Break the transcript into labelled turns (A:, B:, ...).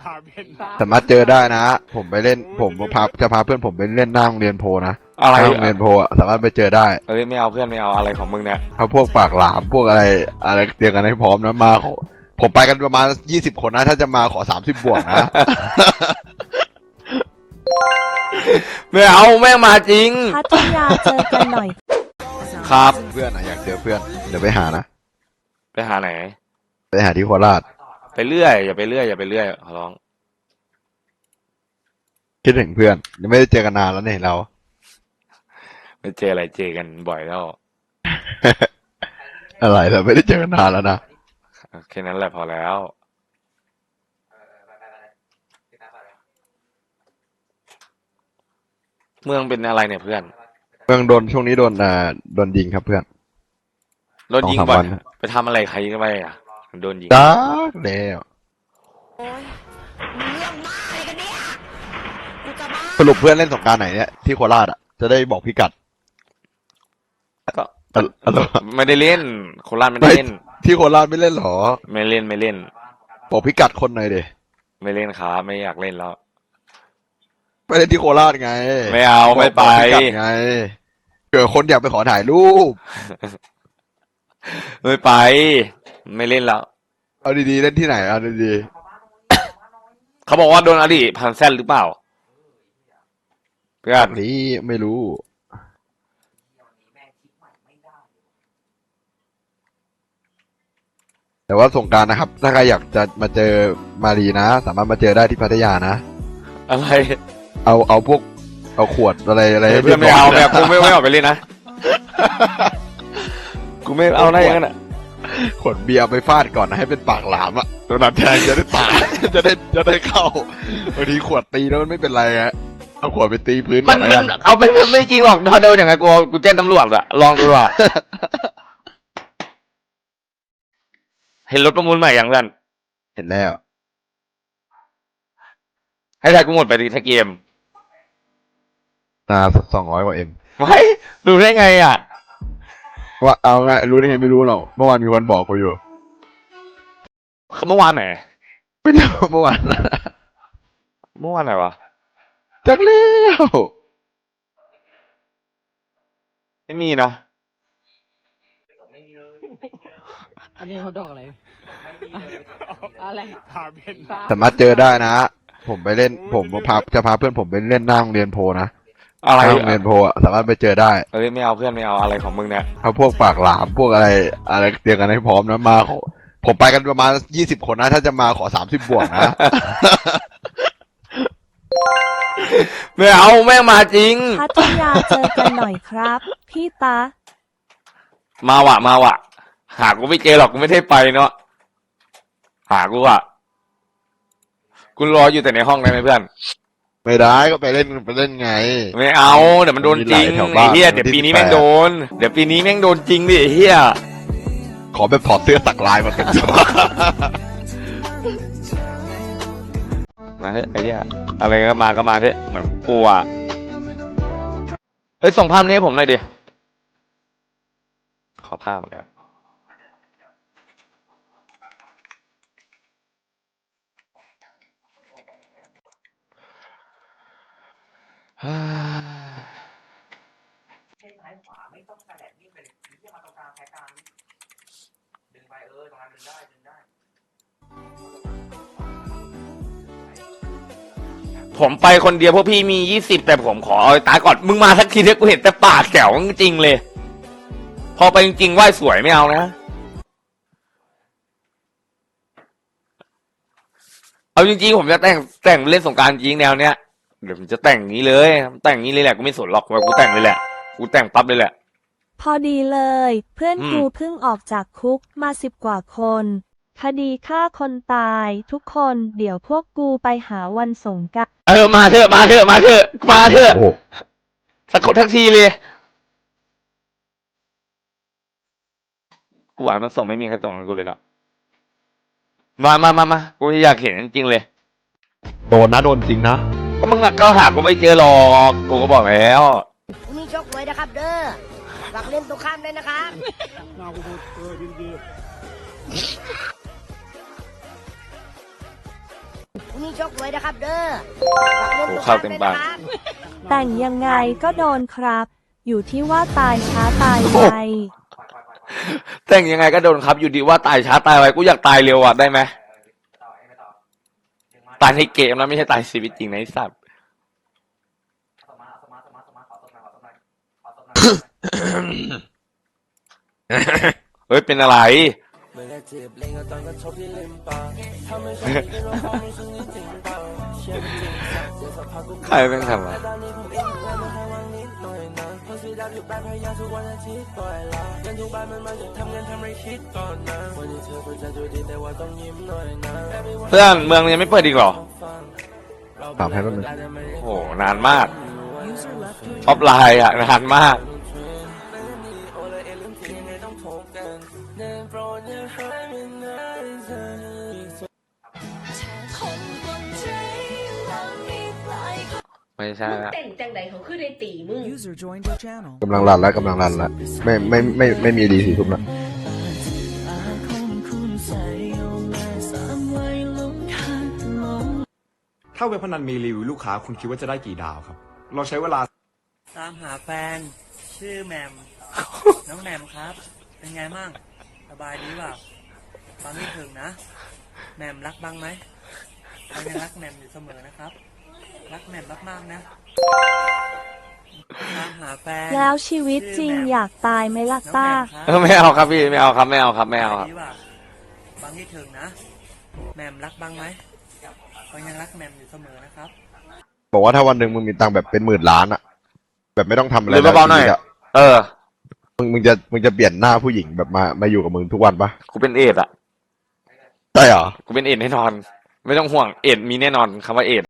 A: สามารถเจอได้นะผมไปเล่นผมจะพาเพื่อนผมไปเล่นหน้าโรงเรียนโพนะ
B: อะไร
A: หน้าโรงเรียนโพสามารถไปเจอได้
B: เอ้ยไม่เอาเพื่อนไม่เอาอะไรของมึงเนี่ย
A: เอาพวกปากหลามพวกอะไรเตรียมกันให้พร้อมนะมาผมไปกันประมาณ20 คนนะถ้าจะมาขอ30 บวกนะ
B: ไม่เอาแม่งมาจริง
C: พัทยาเจอกันหน่อย
B: ครับ
A: เพื่อนอยากเจอเพื่อนเดี๋ยวไปหานะ
B: ไปหาไหน
A: ไปหาที่โคราช
B: ไปเรื่อยอย่าไปเรื่อยอย่าไปเรื่อยขอร้อง
A: คิดถึงเพื่อนยังไม่ได้เจอกันนานแล้วเนี่ยเรา
B: ไปเจออะไรเจอกันบ่อยแล้ว
A: อะไรเราไม่ได้เจอกันนานแล้วนะ
B: แค่นั้นแหละพอแล้ว เมืองเป็นอะไรเนี่ยเพื่อน
A: เมืองโดนช่วงนี้โดนยิงครับเพื่อน
B: โดนยิง
A: 2-3
B: บ่อ
A: วั
B: ย
A: น
B: ไปทำอะไรใครกันไปอ่ะโดนยิง
A: จ้าแล้วสรุปเพื่อนเล่นสงกรานต์ไหนเนี่ยที่โคราชอ่ะจะได้บอกพี่กัด
B: ก็
A: อะไร
B: ไม่ได้เล่นโคราชไม่ได้เล่น
A: ที่โคราชไม่เล่นหรอ
B: ไม่เล่นไม่เล่น
A: บอกพี่กัดคนหน่อยดิ
B: ไม่เล่นครับไม่อยากเล่นแล้ว
A: ไปเล่นที่โคราชไง
B: ไม่เอาไม่ไป
A: บอกพี่กัดไงเกิดคนอยากไปขอถ่ายรูป
B: ไม่ไป ไม่เล่นแล้ว
A: เอาดีๆเล่นที่ไหนเอาดี
B: เขาบอกว่าโดนอดีตพันแซนหรือเปล่าเพื่อน
A: ๆนี้ไม่รู้ แต่ว่าสงกรานต์นะครับ ถ้าใครอยากจะมาเจอมารีนะ สามารถมาเจอได้ที่พัทยานะ
B: อะไร
A: เอาพวกเอาขวดอะไรให้
B: เพื่อนไม่เอา
A: รี
B: แบ
A: ย
B: บบ กูไม่ออกไปเล่นนะกูไม่เอาได้ยังไงน่ะ
A: ขวดเบียร์ไปฟาดก่อนนะให้เป็นปากหลามอะตัวนั้นแทงจะได้ตาย จะได้เข้าบางทีขวดตีแล้วมันไม่เป็นไรฮะเอาขวดไปตีพื้นก่
B: มั
A: อน นแล้ว
B: มั
A: กัน น
B: เอาไปไม่จริงหรอกถ้าโดนอย่างไงกูแจ้งตำรวจอะลองดูอะเห็นรถประมูลใหม่ยังเพื่อน
A: เห็นแล้ว
B: ให้ทายกูหมดไปดีถ้าเกม
A: นา200 กว่าเอ็ม
B: ไม่ดูได้ไงอะ
A: ว่าเอาไงรู้ได้ไงไม่รู้หรอกเมื่อวานมีคนบอกกูอยู่
B: เมื่อวานไหน
A: ไม่รู้เมื่อวาน
B: เมื่อวานไหนวะ
A: จักเลี้ยว
B: ไม่มีนะ
D: อันนี้เขาดอกอะไร อะไร
A: สามารถเจอได้นะ ผมไปเล่นผมจะพาเพื่อนผมไปเล่นหน้าโรงเรียนโพนะ
B: อะไร
A: หน้าโรงเรียนโพอะสามารถไปเจอได้
B: เอ้ยไม่เอาเพื่อนไม่เอาอะไรของมึงเนี่ย
A: เอาพวกปากหลามพวกอะไรเตรียมกันให้พร้อมนะมาผมไปกันประมาณ20 คนนะถ้าจะมาขอ30 บวกนะ
B: ไม่เอาแม่งมาจริง
C: พัทยาเจอกันหน่อยครับ พี่ตา
B: มาว่ะ หากูไม่เจอหรอกกูไม่ได้ไปเนาะหากูอ่ะกูรออยู่แต่ในห้องได้ไหมเพื่อน
A: ไม่ได้ก็ไปเล่นไง
B: ไม่เอาเดี๋ยวมันโดนจริง
A: มีหลายแถว
B: ไอ้
A: บ้าน
B: เหี้ยเดี๋ยวปีนี้แม่งโดนเดี๋ยวปีนี้แม่งโดนจริงดิไอ้เหี้ย
A: ขอแบบถอดเสื้อสักลายมาเป็นตัว
B: มาเถอะไอ้เหี้ยอะไรก็มาเถอะเหมือนกูอ่ะเฮ้ยส่งภาพนี้ให้ผมหน่อยดิขอภาพเลยฮ่า
D: ซ้ายขวาไม่ต้องกระแดดนี่เป็นที่มาตรงกลางแพ้กลางดึงไปตรงนั้นดึงได้
B: ผมไปคนเดียวพวกพี่มี20แต่ผมขอเอาตาก่อนมึงมาสักทีเถอะกูเห็นแต่ปากแจ๋วจริงๆเลย พอไปจริงๆไหว้สวยไม่เอานะเอาจริงๆผมจะแต่งเล่นสงกรานต์จริงแนวเนี้ยเดี๋ยวผมจะแต่งอย่างนี้เลยแต่งอย่างนี้เลยแหละกูไม่สนหรอกว่ากูแต่งเลยแหละกูแต่งปั๊บเลยแหละ
C: พอดีเลย เพื่อน
B: อืม
C: กูเพิ่งออกจากคุกมา10 กว่าคน คดีฆ่าคนตายทุกคนเดี๋ยวพวกกูไปหาวันสงกรานต์
B: มาเถอะ
A: โอ้โห
B: สักคนทักทีเลยกูหวานมันส่งไม่มีใครส่งให้กูเลยเนาะมากูอยากเห็นจริงๆเลย
A: โดนนะโดนจริงนะ
B: ก็มึงก็หากูไม่เจอหรอกกูก็บอกแล้ว
E: มีชกมวยนะครับเด้อฝากเล่นตัวข้ามด้วยนะครับ
D: ดี
E: พรุ่งนี้ชกมวยนะครับเด้อฝากเล่นตรงก
B: เข้า
E: ลาง
B: เต็ม
E: ด้วย
B: ปาก
E: นะครับ
C: แต่งยังไงก็โดนครับ อยู่ที่ว่าตายช้าตายไว
B: แต่งยังไงก็โดนครับอยู่ดีว่าตายช้าตายไวกูอยากตายเร็วอ่ะได้ไหมตายในเกมนะไม่ใช่ตายชีวิตจริงนะไอ้สัตว์เฮ้ยเป็นอะไรใครเป็นทำอะเพื่อนเมืองยังไม่เปิดอีกเหรอ
A: ถามให้แป๊บนึง
B: โอ้โหนานมากออฟไลน์อ่ะนานมากไม่ใช่ละ
F: แต่งจังใดเขาคือได้ตีมึง
G: User joined your channel.
A: กำลังรันแล้วไม่มีดี4 ทุ่มแล้ว
H: ถ้าเว็บพนันมีรีวิวลูกค้าคุณคิดว่าจะได้กี่ดาวครับ เราใช้เวลา
I: ตามหาแฟน ชื่อแหมม น้องแหมมครับ เป็นไงมั่งสบายดีเปล่าฟังไม่ถึงนะแหมมรักบ้างไหมเรายังรักแหมมอยู่เสมอนะครับ รักแหมมมากๆนะตามหาแฟน
C: แล้วชีวิตจริงอยากตายไหมล่ะ
I: น้อง
C: ต้า
I: แหมมครับ
B: ไม่เอาครับพี่ไม่เอาครับไม่เอาครับไม่เอาครับ
I: ดีป่ะฟังให้ถึงนะแหมมรักบ้างไหมเรายังรักแหมมอยู่เสมอนะครับ
A: บอกว่าถ้าวันหนึ่งมึงมีตังค์แบบเป็น10,000 ล้านอะแบบไม่ต้องทำอะไร
B: หรือเบาๆหน่อย
A: ชีวิตะ
B: เออ
A: มึงจะเปลี่ยนหน้าผู้หญิงแบบมาอยู่กับมึงทุกวันปะ
B: กูเป็นเอดส์อ่ะ
A: ได้เหรอ
B: กูเป็นเอดส์แน่นอน ไม่ต้องห่วงเอดส์มีแน่นอนคำว่าเอดส์